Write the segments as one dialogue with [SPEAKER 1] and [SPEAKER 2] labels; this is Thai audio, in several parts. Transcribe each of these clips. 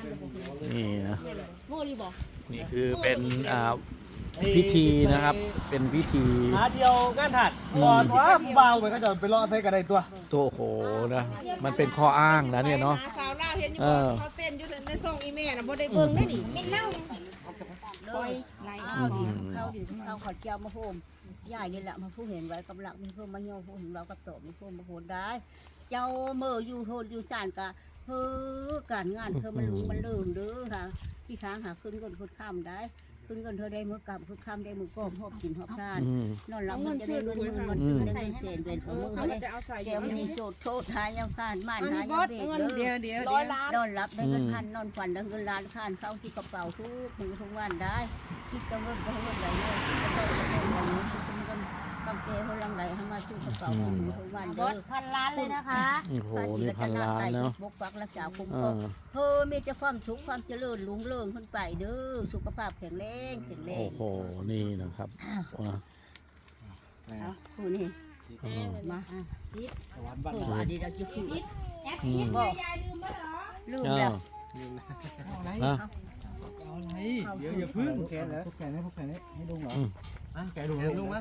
[SPEAKER 1] นี่นะ
[SPEAKER 2] โง่ดีบอก
[SPEAKER 1] นี่คือเป็นพิธีนะครับเป็นพิธี
[SPEAKER 3] หาเที่ยวงานถัดก่อนว่าเบาเหมือนก็จะไปเลาะใส่กันได้ตัว
[SPEAKER 1] ตัวโหนะมันเป็นข้ออ้างนะเนี่ยเนาะ
[SPEAKER 4] สาวลาวเห็นอยู่บ่เขาเต้นอยู่ในซ่องอีแม่น่ะบ่ได้เบิ่งได้นี่
[SPEAKER 2] ไม่เน่า
[SPEAKER 5] เลยไล่เข้าดิเข้าขอเจ้ามาโฮมยายนี่แหละมาผู้เห็นไว้กำลังมีเพิ่มมาโยผู้เห็นเราก็ตบมีเพิ่มมาโหดได้ เจ้าเมื่ออยู่โหดอยู่สานกะเฮ้อการงานเธอมันหลุมมันเลื่อนเด้อค่ะที่ค้างหาขึ้นก้นขึ้นข้ามได้ขึ้นก้นเธอได้มือกำขึ้นข้ามได้มือก้มหอบกินหอบทานนอนหลับมันจะได้เงินมือมันได้เงินเศษเป็นของมือ
[SPEAKER 4] เขา
[SPEAKER 5] ได้
[SPEAKER 4] จะเอาใส่
[SPEAKER 5] เดี๋ยวมันมีโจทย์โทษหายังผ่านม่านหา
[SPEAKER 4] บ
[SPEAKER 5] ยั
[SPEAKER 4] อง ส
[SPEAKER 5] เบ็ด
[SPEAKER 4] เงิน
[SPEAKER 5] เด้อ
[SPEAKER 4] เดี๋ยว
[SPEAKER 5] นอนรับได้เงินพันนอนฝันได้เงินล้านข้านเข้าที่กระเป๋าทุกมือทุกวันได้คิดจะเงินก็เงินไหลเลยคิดจะเงินก็เงินไหลเลยคิดจะเงินกำเกยเขาลังไหลเข้ามาสู่กระเป๋ามือทุกวัน
[SPEAKER 2] บ
[SPEAKER 5] เด้
[SPEAKER 2] อ
[SPEAKER 5] อ
[SPEAKER 2] สพันล้านเลยนะคะ
[SPEAKER 1] โอ้โหนี่พันล้านเนาะ
[SPEAKER 5] บกปักรักษาคุ้มครองเฮ้อมีแต่ความสุขความเจริญรุ่งเรืองขึ้นไปเด้อสุขภาพแข็งแรงแข็งแร
[SPEAKER 1] โอ้
[SPEAKER 5] ง
[SPEAKER 1] โหนี่นะครับว้า
[SPEAKER 5] เอาผู้นี่มาชิด
[SPEAKER 3] สวรรค์บ้าน
[SPEAKER 5] ผู้อันนี้เราจะคิด
[SPEAKER 2] แอดชิดแม่ยายลืมมาเหรอ
[SPEAKER 5] ลืมแล้ว
[SPEAKER 1] นะ
[SPEAKER 3] เอาอะไรเดี๋ยวอย่าพึ่งแกแล้วพวกแกนี่พวกแกนี่ให้ลุงเหรออ่ะแกลุงลุงมั้ย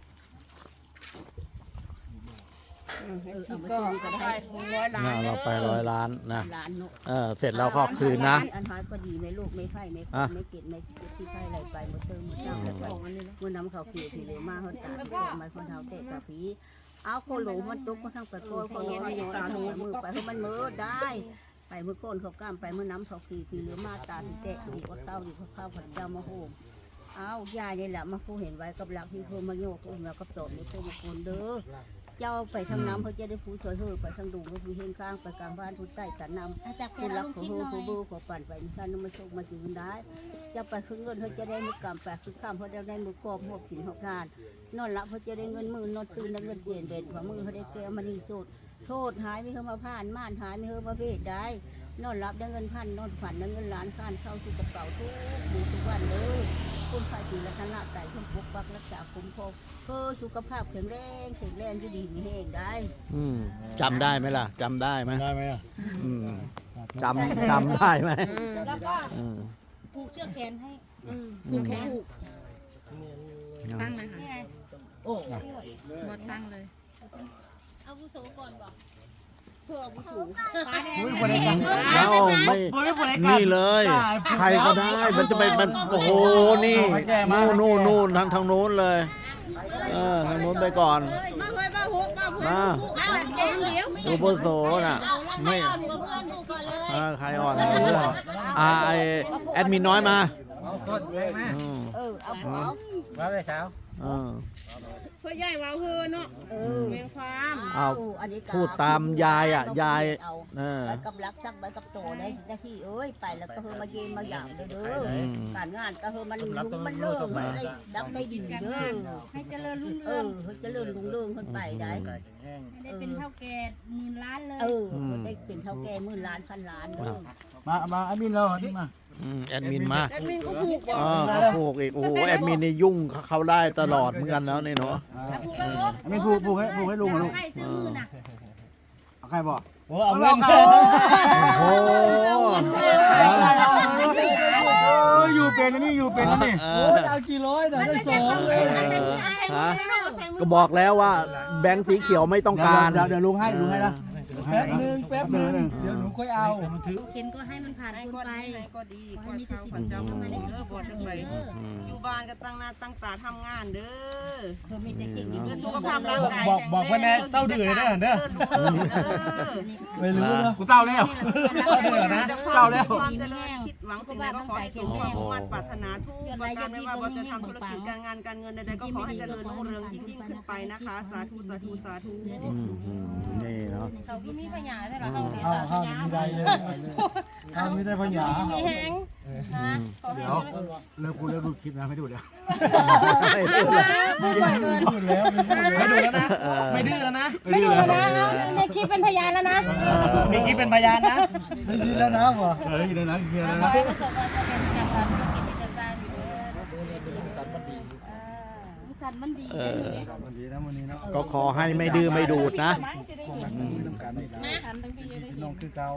[SPEAKER 5] ก็ได้100 ล้าน
[SPEAKER 1] เราไป100 ล้านนะ
[SPEAKER 5] ล้านเนาะ
[SPEAKER 1] เสร็จแล้วก็คืนนะ
[SPEAKER 5] อันหายก็ดีไม่ลูกไม่ไฟไม่ไม่เก็ดไม่ที่ไฟอะไรไปหมดเติมหมดเจ้าแล้วก็มันน้ำเขาเกี่ยวผีเลยมาเขาตาไม่คนเท้าเตะตาผีเอาโคโหลมันตุกมาทั้งประตูเขาโหลตาหนูมือไปให้มันมือได้ไปมือโคนเขากล้ามไปมือน้ำเขาขี่ผีเหลือมาตาเตะดีกว่าเต้าดีกว่าข้าวผัดเจ้ามาโฮมเอายายนี่แหละมาผู้เห็นไว้กับหลักที่โทรมาโยกแล้วก็ตบนี่โทรมาคนเด้อเจ้าไปทางน้ำเขาจะได้ผู้ช่วยเฮือไปทางดุงก็คือเฮงข้างไปกลางบ้านผู้ใต้กันนำ
[SPEAKER 2] จากแก
[SPEAKER 5] ผู้
[SPEAKER 2] เรา
[SPEAKER 5] รัก
[SPEAKER 2] ลง
[SPEAKER 5] ผู้
[SPEAKER 2] ชิด
[SPEAKER 5] ฮู้
[SPEAKER 2] หน่อย
[SPEAKER 5] ผู้บูผู้ปั่นไปนี่ท่านมาโชคมาจืนได้จะไปขึ้นเงินเขาจะได้มือกำแปะคือข้ามเขาได้มือกอบหอบกินหอบทานนอนหลับเขาจะได้เงินหมื่นนอนตื่นได้เงินเปลี่ยนเด่นฝ่ามือเขาได้แก้วมันนี่โสดโทษหายไม่เข้ามาผ่านม่านหายไม่เข้ามาเวทได้นอนหลับได้เงินพันนอนฝันได้เงินล้านข้านเข้าสู่กระเป๋าทุกมือทุกวันเลยคุณฝ่ายศีลธนะใจคุณปกปักรักษาคุ้มครองเพื่อสุขภาพแข็งแรงจะดีมีแห้งได้
[SPEAKER 1] จำได้ไหมล่ะจำได้ไหม
[SPEAKER 3] ได้ไหมอ่ะ
[SPEAKER 1] จำได้ไหม
[SPEAKER 2] แล้วก็ผูกเชือกแขนให้ผูกแขน
[SPEAKER 6] ตั้งเลยค่ะ
[SPEAKER 2] นี่ไง
[SPEAKER 3] โอ้
[SPEAKER 6] บดตั้งเลย
[SPEAKER 2] เอาผู้สูงก่อนบอก
[SPEAKER 5] ฟ้าแดง
[SPEAKER 3] บริการ
[SPEAKER 1] แล้วไม่นี่เลย ใครก็ได้มันจะไปมันโอ้โหนี่นู่นทางโน้นเลยทางโน้นไปก่อน
[SPEAKER 4] มาเฮ้ยมาฮุกมาฮุก
[SPEAKER 1] มา
[SPEAKER 4] แกงเดียว
[SPEAKER 1] โอโปโซน่ะ
[SPEAKER 2] ไม่
[SPEAKER 1] ไม่
[SPEAKER 2] อ่อนกับเพื่อนผูกก่อนเลย
[SPEAKER 1] ใครอ่อนเพื่อนไอแอดมินน้อยมา
[SPEAKER 5] เอาหัว
[SPEAKER 3] มาเลยสาว
[SPEAKER 4] เพื่อใหญ่ว่าเฮือเนาะเมียความ
[SPEAKER 1] เอาพูดตามยายอ่ะยาย
[SPEAKER 5] ไปกับรักชักไปกับโตได้หน้าที่เอ้ยไปแล้วก็เฮอมาเย็นมาหยามเด้อการงานก็เฮอมันลุ่มมันเลิกได้ดับได้ดินเด้อ
[SPEAKER 2] ให้เจริญรุ่ง
[SPEAKER 5] เอ
[SPEAKER 2] เรือง
[SPEAKER 5] อเฮอจะเลื่อนลุงเรื่องขึ้นไปได้
[SPEAKER 2] ให้ได้เป็นเท่าแก่หมื่นล้านเลย
[SPEAKER 5] ได้เป็นเท่าแก่หมื่นล้านพันล้านเด้อ
[SPEAKER 3] มาแอดมินเราที่มา
[SPEAKER 1] แอดมินมา
[SPEAKER 4] แอดมินก็ผูกบ่
[SPEAKER 1] เขาผูกอีกโอ้โหแอดมินนี่ยุ่งเขาได้ตลอดเหมือนกันแล้วนี่เนาะ
[SPEAKER 3] ไม่ผูกให้ลุงลูก
[SPEAKER 2] ใครซื้อมือน่ะ
[SPEAKER 3] เอาใครบอกโอ้เอาเงิน
[SPEAKER 1] โอ้โห
[SPEAKER 3] อยู่เป็นนี่อยู่เป็นนี่โอ้เอากี่ร้อยเดี๋ยวได้2เลย
[SPEAKER 1] ก็บอกแล้วว่าแบงค์สีเขียวไม่ต้องการ
[SPEAKER 3] เดี๋ยวลุงให้นะแป๊บนึงเดี๋ยวหนูค่อยเอา
[SPEAKER 2] เข็นก็ให้มันผ่าน
[SPEAKER 4] ให้
[SPEAKER 2] คุณ
[SPEAKER 4] ก็
[SPEAKER 2] ไป
[SPEAKER 4] ดีให้ก็ดีขอให้เขาพระเจ้ามาเด้อบ่ได้ไปอยู่บ้านก็ตั้งหน้าตั้งตาทำงานเด้อ
[SPEAKER 5] เธอมีแต่สิ่งดี
[SPEAKER 4] เพื่อสุขภาพร่างกาย
[SPEAKER 3] บอกเพื่อนแน่เต้าดื้อเลยเด้อ ไม่รู้นะกู
[SPEAKER 1] เต้า
[SPEAKER 3] เต้าแล้วเต้าแล้ว
[SPEAKER 4] ความเจริญคิดหวังสิ่งใดก็ขอให้สมความมุ่งมั่นปรารถนาทุกประการไม่ว่าเราจะทำธุรกิจการงานการเงินใดๆก็ขอให้เจริญรุ่งเรืองยิ่งขึ้นไปนะคะสาธุสาธุสาธุ
[SPEAKER 1] นี่เนาะ
[SPEAKER 2] เขาพี่มีปัญญาใช่หรอเขาเสีย
[SPEAKER 3] ข้าว
[SPEAKER 2] สัญญา
[SPEAKER 3] มีได้เลยข้าวมีได้ปัญญา
[SPEAKER 2] มีแหงนะขอให้
[SPEAKER 3] เดี๋ยวเลิกดูคลิปนะไม่ดูเดี๋ยว
[SPEAKER 2] พูดบ่อยเกิน
[SPEAKER 3] พูดแล้วไม่ดูแล้วนะไม่ดื้อแล้วนะ
[SPEAKER 2] ไม่ดูแล้วนะในคลิปเป็นพยานแล้วนะ
[SPEAKER 3] มีคลิปเป็นพยานนะไม่ดีแล้วนะวะดีแล้วนะดีแล้ว
[SPEAKER 2] ขอ
[SPEAKER 3] นะ
[SPEAKER 2] ให้ประสบความสำเร็จจากการธุรกิจที่จะสร้างอยู่เด้อสันมันดี
[SPEAKER 3] วันนี้นะวันนี้นะ
[SPEAKER 1] ก็ขอให้ไม่ดื้อไม่ดูดนะ
[SPEAKER 3] น้ำกันน้องคือเกา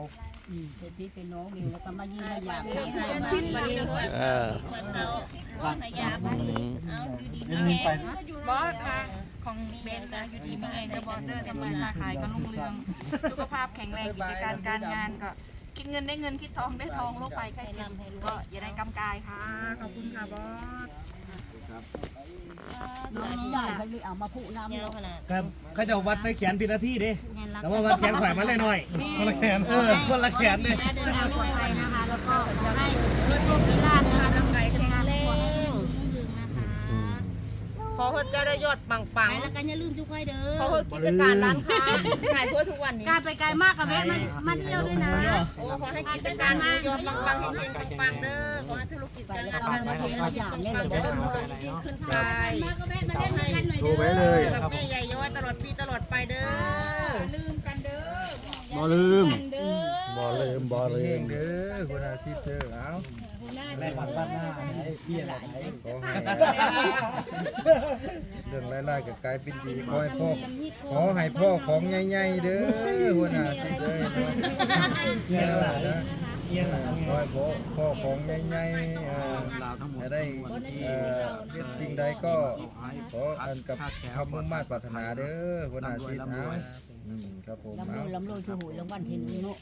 [SPEAKER 5] เป็นพี่เป็นน้องมิวแล้วก็มายิ้มมาหยาบ
[SPEAKER 4] ชิดมาเลย
[SPEAKER 2] เหมือนเราพยายามเอาอยู่ดี
[SPEAKER 3] เดิ
[SPEAKER 2] มี
[SPEAKER 3] น
[SPEAKER 2] แห
[SPEAKER 3] ไป
[SPEAKER 2] ง
[SPEAKER 7] บอสค่ะของเบนนะอยู่ดีมีเองก็บอสเดอร์ทำมาค้าขายก็รุ่งเรืองสุขภาพแข็งแรงกิจการการงานก็คิดเงินได้เงินคิดทองได้ทองโรคภัยไข้เจ็บก็อย่าได้กำกายค่ะขอบคุณค่ะบอส
[SPEAKER 5] น้องใหญ่เขาเลยเอามาพูน้ำ
[SPEAKER 2] เยอะขนาด
[SPEAKER 3] ครับเขาจะวัดไปแขนผิดหน้าที่ดิแต่ว่าวัดแขนข่อยมาเลยหน่อยคนละแขนคนละแขนเลย
[SPEAKER 2] เดินทางปลอดภัยนะคะ แล้วก็จะให้มีโชคมีลาภนะคะร่างกายแข็งแรงขอให้เจะได้ยอดปังๆแล้วกันอย่าลืมจุ๊กไว้เด้อขอให้กิจการร้านค้าขายทั่วทุกวันนี้การไปไกลมากกับแม่มันเที่ยวด้วยนะโอ้ขอให้กิจการมียอดปังๆเฮงๆปังๆเด้อขอให้ธุรกิจการงานการเงินปังๆจะได้รุ่งเรืองยิ่งขึ้นไปขอให้ดูไว้เลยกับแม่ใหญ่ย้อยตลอดปีตลอดไปเด้อ
[SPEAKER 1] บ่ลืม
[SPEAKER 6] เด้อ
[SPEAKER 1] บ่ลืมบ่ลืม
[SPEAKER 3] เด้อคนอาชีพเด้อเอาแม่บ้านหน้าไหนพี่อะไรไหนเรื่องรายๆกับกลายเป็นดีขอให้พ่อของใหญ่ๆเด้อคนอาชีพเด้อเนี่ยนะขอให้พ่อของใหญ่ๆจะได้เรียกสิ่งใดก็ขออันกับคำมุ่งมั่นปรารถนาเด้อคนอาชีพนะครับผม
[SPEAKER 5] ลำโลยชูหูรางวัลที่หนึ่งเนาะ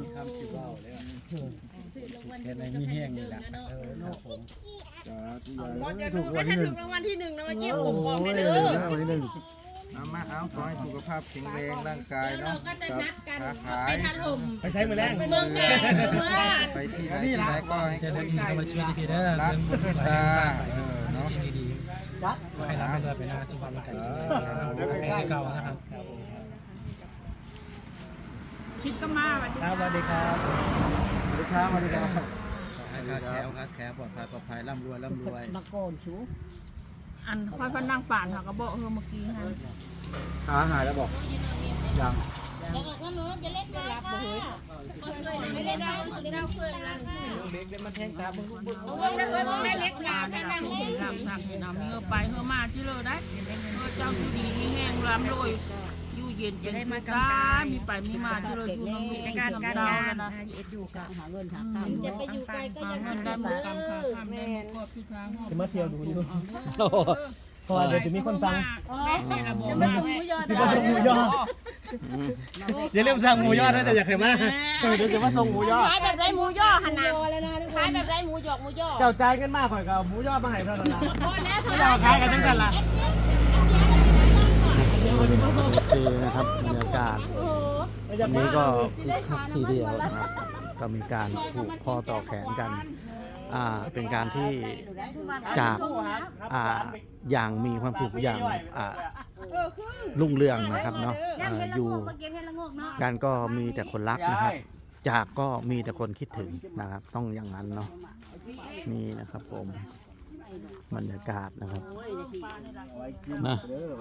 [SPEAKER 3] แค่ไหนมีแห้งนี่แหละผม
[SPEAKER 4] บอสอย่าลืมนะถ้าถึงรางวัลที่ 1นะมาเยี่ยมผมบอกให้เด้อ
[SPEAKER 3] วันที่หนึ่งมาเอาขอให้สุขภาพแข็งแรงร่างกายเนาะค้าขายไปใช้มือแรงไปที่ไหนก็ให้คนมาช่วยดีๆเด้อรักคนเมตตาเนาะดีๆให้รักให้ได้ไปนะสุขภาพร่างกายเป็นเก่านะครับ
[SPEAKER 7] คิดก็มาสวัสดี
[SPEAKER 3] ครับสวัสดีครับสวัสดีครับให้ค้าแคล้วปลอดภัยร่ำรวย
[SPEAKER 5] มาก่อนชู
[SPEAKER 7] อันค่อยพันนั่งป่านค่ะก็บอกเมื่อกี้ฮะ
[SPEAKER 3] ขาหายแล้วบอกยัง
[SPEAKER 2] แล้วก็ถ้าหนูจะเล่นได้ค่ะไม่เล่นได้คือได้เพื่อนรัก
[SPEAKER 3] เล็กได้มาแทงตาบึ้ง
[SPEAKER 7] ได้เล็กยาแค่นั้นสั่งน้ำเงือไปเงือมาที่เลยได้เจ้าอยู่ดีมีแห้งรำรวยอยู่เย็นเป็นสุดามีไปมีมาที่เลยอยู่น้ำมีการงานนะ
[SPEAKER 5] อยู่กับหาเงินหาข้าว
[SPEAKER 2] จะไปอยู่ไกลก็ยังคิด
[SPEAKER 7] ได้หม
[SPEAKER 2] เด้
[SPEAKER 7] ดกรรมค่ะ
[SPEAKER 2] อ
[SPEAKER 7] แม่ก็พี่ทาง
[SPEAKER 3] จะมาเที่ยวดูอยู่เพราะว่าเดี๋ยวจะมีคนฟัง
[SPEAKER 2] จะมาส่งหมูยอ
[SPEAKER 3] จะมาส่งหมูยออย่าลืมสั่งหมูยอนะแต่อยากเห็นมาเดี๋ยวจะมาส่งหมูยอ
[SPEAKER 2] ขายแบบไรหมูยอหันหน้าขายแบบไรหมูหยอกหมูยอ
[SPEAKER 3] เจ้าใจกันมากข่อยกับหมูยอมาให้เท่านั้นละ
[SPEAKER 2] พอแล้ว
[SPEAKER 3] ไม่ยอมขายกันทั้งกันละ
[SPEAKER 1] โอเคนะครับบรรยากาศวันนี้ก็คึกคักทีเดียวนะครับก็มีการผูกข้อต่อแขนกันเป็นการที่จากอย่างมีความสุขอย่างรุ่งเรืองนะครับเนาะอยู่กันก็มีแต่คนรักนะครับจากก็มีแต่คนคิดถึงนะครับต้องอย่างนั้นเนาะนี่นะครับผมบรรยากาศนะครับนะ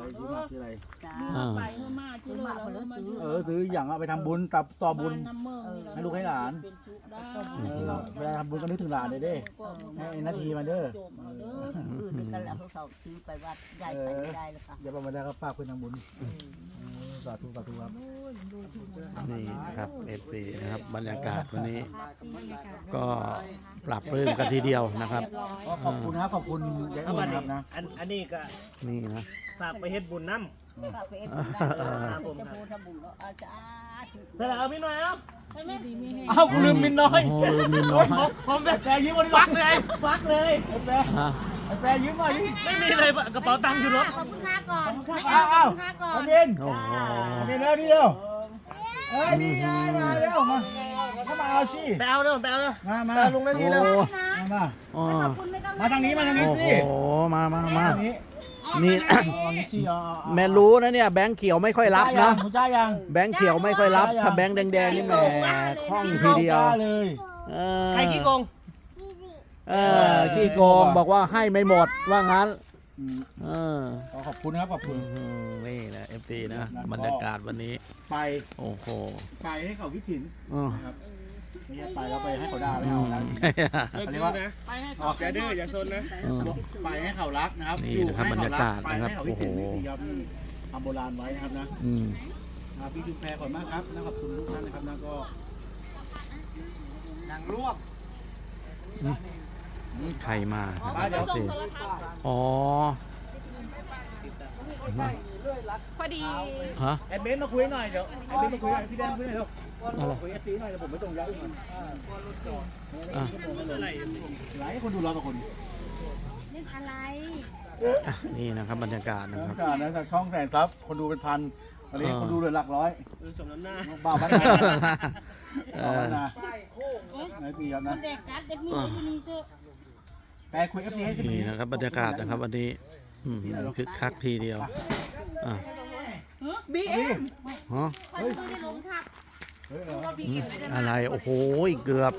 [SPEAKER 3] ซื้ออย่างเอาไปทำบุญต่อบุญให้ลูกให้หลานเวลาทำบุญก็นึกถึงหลานเลยเด้ให้นาทีมาเด้อ
[SPEAKER 5] นั่นแหละเขาซื้อไปวัดใหญ่ไปไม่ได้แล้วค่ะ
[SPEAKER 3] อย่าประมาทนะครับฝากเพื่อนทำบุญสาธุครับ
[SPEAKER 1] นี่นะครับ FC นะครับบรรยากาศวันนี้ก็ปรับปรื้มกันทีเดียวนะครับ
[SPEAKER 3] ขอบคุณนะขอบคุณยายอ้วนครับนะ
[SPEAKER 8] อันนี้ก็
[SPEAKER 1] นี่นะ
[SPEAKER 8] ฝากไปเฮ็ดบุญน้ำ
[SPEAKER 5] ฝากไปเอ็ดบุญได้จะพูดทำบุญแล้วอาจารย์
[SPEAKER 8] เสร็จแล้วเอาพี่หน่อยเอา
[SPEAKER 3] อ้าวกูลืมมินน้อย
[SPEAKER 1] โอ้โหลืมมินน้อย
[SPEAKER 3] ผมแปรยืมมาดิฟักเลยแปรยืมมาดิ
[SPEAKER 8] ไม่มีเลยกระเป๋าตังค์อยู่รถ
[SPEAKER 2] ขอบคุณค่าก่อน
[SPEAKER 3] อ้าวอันนี้
[SPEAKER 1] โอ้โห
[SPEAKER 3] นี่เร็วนี่ไงมาเร็วมาเข้ามาเอาสิ
[SPEAKER 8] ไปเอาเด้อไปเอาเด้อ
[SPEAKER 3] มา
[SPEAKER 8] ลงได้ทีแล้ว
[SPEAKER 3] มา
[SPEAKER 1] อ๋อ
[SPEAKER 3] มาทางนี้
[SPEAKER 1] โอ้
[SPEAKER 3] สิ
[SPEAKER 1] โหมา
[SPEAKER 3] ทางนี้
[SPEAKER 1] นี่ แม่รู้นะเนี่ยแบงค์เขียวไม่ค่อยรับนะ
[SPEAKER 3] หมูจ้ายัง
[SPEAKER 1] แบงค์เขียวไม่ค่อยรับ ถ้าแบงค์แดงๆนี่แหมคล่องทีเดียว
[SPEAKER 3] เลย
[SPEAKER 8] ใครขี้โกง
[SPEAKER 1] ขี้โกงบอกว่าให้ไม่หมดว่างั้น
[SPEAKER 3] ขอบคุณนะครับขอบคุณ
[SPEAKER 1] นี่นะ FT นะบรรยากาศวันนี้
[SPEAKER 3] ไป
[SPEAKER 1] โอ้โห
[SPEAKER 3] ไปให้เขาคิดถึง
[SPEAKER 1] อืม
[SPEAKER 3] ครับนี่ไปแล้วไปให้เขาด่าไม่เอานะ
[SPEAKER 8] เลิกดื้อนะอย่าดื้ออย่าซนนะ
[SPEAKER 3] ไปให้เขารักนะครับ
[SPEAKER 1] นี่นะครับบรรยากาศนะครับโอ้โห
[SPEAKER 3] ทำโบราณไว้นะครับนะ
[SPEAKER 1] อืม
[SPEAKER 3] พี่ชุมแพรขอบคุณมากครับและขอบคุณทุกท่านนะครับแล้วก็
[SPEAKER 1] ใครมา
[SPEAKER 2] เดี๋ยวส่งโทรทัศน์
[SPEAKER 1] อ๋อ
[SPEAKER 2] พอดี
[SPEAKER 1] ฮะ
[SPEAKER 8] แอดเบนมาคุยหน่อยเดี๋ยวแอดเบนมาคุยหน่อยพี่แดงคุยหน่อยเร็วคุยแอดซีหน่อยเดี๋ยวผมไม่ตรงย้ายก่อน
[SPEAKER 1] อ่ะ
[SPEAKER 8] หลายคนดูเราต่อคน
[SPEAKER 1] อ่ะนี่นะครับบรรยากาศนะครับ
[SPEAKER 9] การนะจากช่องแสนซับคนดูเป็นพันตอนนี้คนดูเหลือหลักร้อย
[SPEAKER 8] สมน้ำหน้า
[SPEAKER 9] บ้าบ้านนะ
[SPEAKER 1] เอ
[SPEAKER 9] บ้า
[SPEAKER 1] อ
[SPEAKER 9] บ้านนะไหนปีครับนะแต่คุยกับพี่ให้
[SPEAKER 1] นี่นะครับบรรยากาศนะครับวันนี้คึกคักทีเดียวอ่ะ
[SPEAKER 2] BM
[SPEAKER 1] ฮะ
[SPEAKER 2] ไม่ได้ลงทับ
[SPEAKER 1] อะไรโอ้โหเกือบ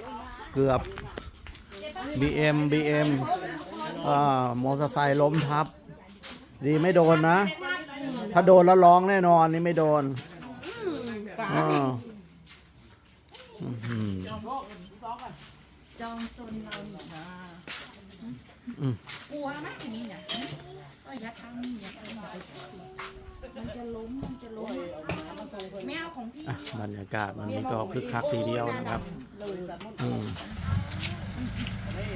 [SPEAKER 1] BM มอเตอร์ไซค์ล้มทับ ดีไม่โดนนะ ถ้าโดนแล้วร้องแน่นอนนี่ไม่โดนอ่าอืม
[SPEAKER 7] จองโซนเราหน่อยนะ
[SPEAKER 1] อืม
[SPEAKER 7] กลัวไหมทีนี้เนี่ยอย่าทำนี่อย่าทำมันจะล้มไม่เอาของพี่
[SPEAKER 1] อ่ะบรรยากาศวันนี้ก็คึกคักทีเดียวนะครับ